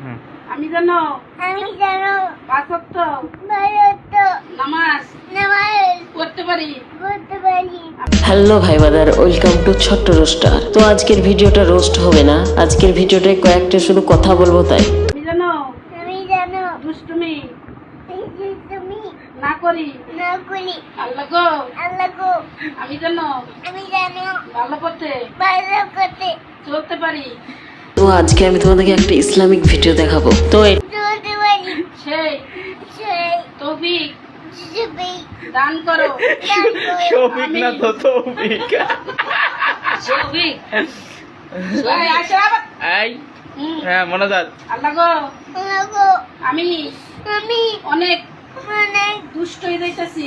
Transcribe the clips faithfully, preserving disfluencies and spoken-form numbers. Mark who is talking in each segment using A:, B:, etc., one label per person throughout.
A: আমি জানো
B: আমি জানো
A: পাঁচ ওয়াক্ত
B: ভারত
A: নামাজ
B: নামাজ
A: পড়তে পারি
B: পড়তে পারি।
C: হ্যালো ভাই বাদার, ওয়েলকাম টু ছোট্ট রোস্টার। তো আজকের ভিডিওটা রোস্ট হবে না, আজকের ভিডিওটায় কয়েকটা শুধু কথা বলবো তাই।
A: আমি জানো
B: আমি জানো
A: দুষ্টুমি
B: তুমি
A: না করি
B: না করি।
A: আল্লাহ গো
B: আল্লাহ গো
A: আমি জানো
B: আমি জানো
A: ভালো করতে
B: ভালো করতে
A: চলতে পারি।
C: তো আজকে আমি তোমাদেরকে একটা ইসলামিক ভিডিও দেখাবো। তো এ-
B: চলতে পারি।
A: সেই
B: সেই
A: তৌফিক
B: তুমি
A: দান করো।
B: দান করো।
D: শফিক না তো তৌফিক।
A: তৌফিক এই আসো আবার।
D: এই
A: হুম,
D: হ্যাঁ মনোজাত।
A: আল্লাহ গো
B: আল্লাহ গো
A: আমি
B: আমি
A: অনেক
B: অনেক
A: দুষ্ট হয়ে যাইতাছি,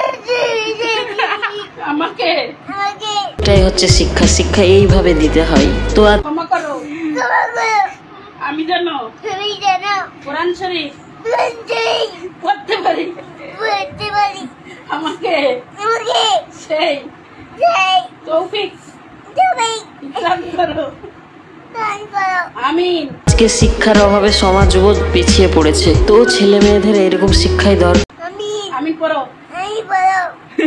B: আমাকে
A: আমাকে
C: এটাই হচ্ছে শিক্ষা, শিক্ষা এইভাবে দিতে হয়। তো আজ
A: ক্ষমা করো।
B: ক্ষমা করো।
A: আমি জানো
B: তুমি জানো
A: কোরআন শরীফ
B: লঞ্চই
A: পড়তে পারি,
B: পড়তে পারি।
A: আমাকে
B: আমাকে
A: সেই
B: সেই
A: তৌফিক
B: তুমি
A: দান করো।
B: দান করো।
A: আমিন।
C: আজকে শিক্ষার অভাবে সমাজবোধ পিছিয়ে পড়েছে। তো ছেলে মেয়েদের এরকম শিক্ষাই দরকার।
B: আমি
A: আমিন পড়ো।
B: আমি বলো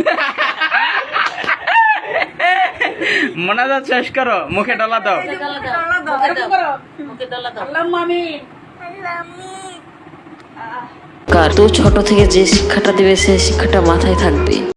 D: মনোজাত শেষ করো, মুখে ডলা দাও।
A: এরকম করো। আল্লাহুম্মা আমিন।
B: আল্লাহ আমি
C: তো ছোট থেকে যে শিক্ষাটা দিবে সেই শিক্ষাটা মাথায় থাকবে।